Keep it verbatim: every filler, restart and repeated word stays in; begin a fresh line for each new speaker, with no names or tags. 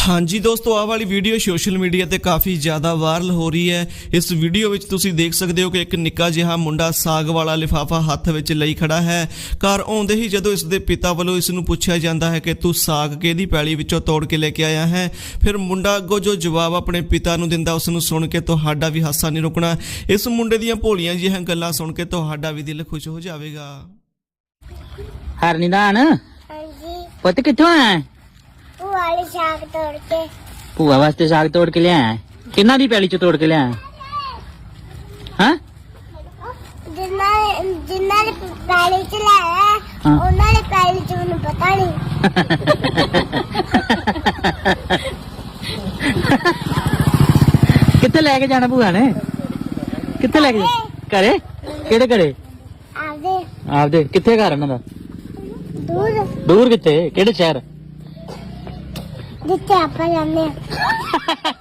हाँ जी दोस्तों, आ वाली वीडियो सोशल मीडिया ते काफ़ी ज़्यादा वायरल हो रही है। इस वीडियो विच तुसी देख सकते हो कि एक निक्का जिहा मुंडा साग वाला लिफाफा हत्थ विच लई खड़ा है। घर आउंदे ही जदों इसके पिता वालों इसनूं पुछया जाता है कि तू साग किहदी पैली विचों तोड़ के लेके आया है, फिर मुंडा अगों जो जवाब अपने पिता नूं दिंदा उसनूं सुन के तुहाडा भी हासा नहीं रुकना। इस मुंडे दीयां भोलियां जिहियां गल्लां सुन के तुहाडा भी दिल खुश हो जाएगा।
हरनिदान
हाँ जी,
पुत कित्थों आया?
भूआ वाले साग तोड़ के।
भूआ वास्ते साग तोड़ के लिया? किन्ना दी पैली चो तोड़ के लिया? हाँ
जिन्ना जिन्ना ने पैली च लाया
हाँ।
उन्ना ने पैली च मैनूं पता नहीं।
कित्थे लेके जाना भूआ ने? कित्थे लेके घरे? केड़े घरे?
आपदे
आपदे कित्थे घर उन्हां दा?
दूर
दूर कित्थे? केड़े शहर?
जिथे आप जाने।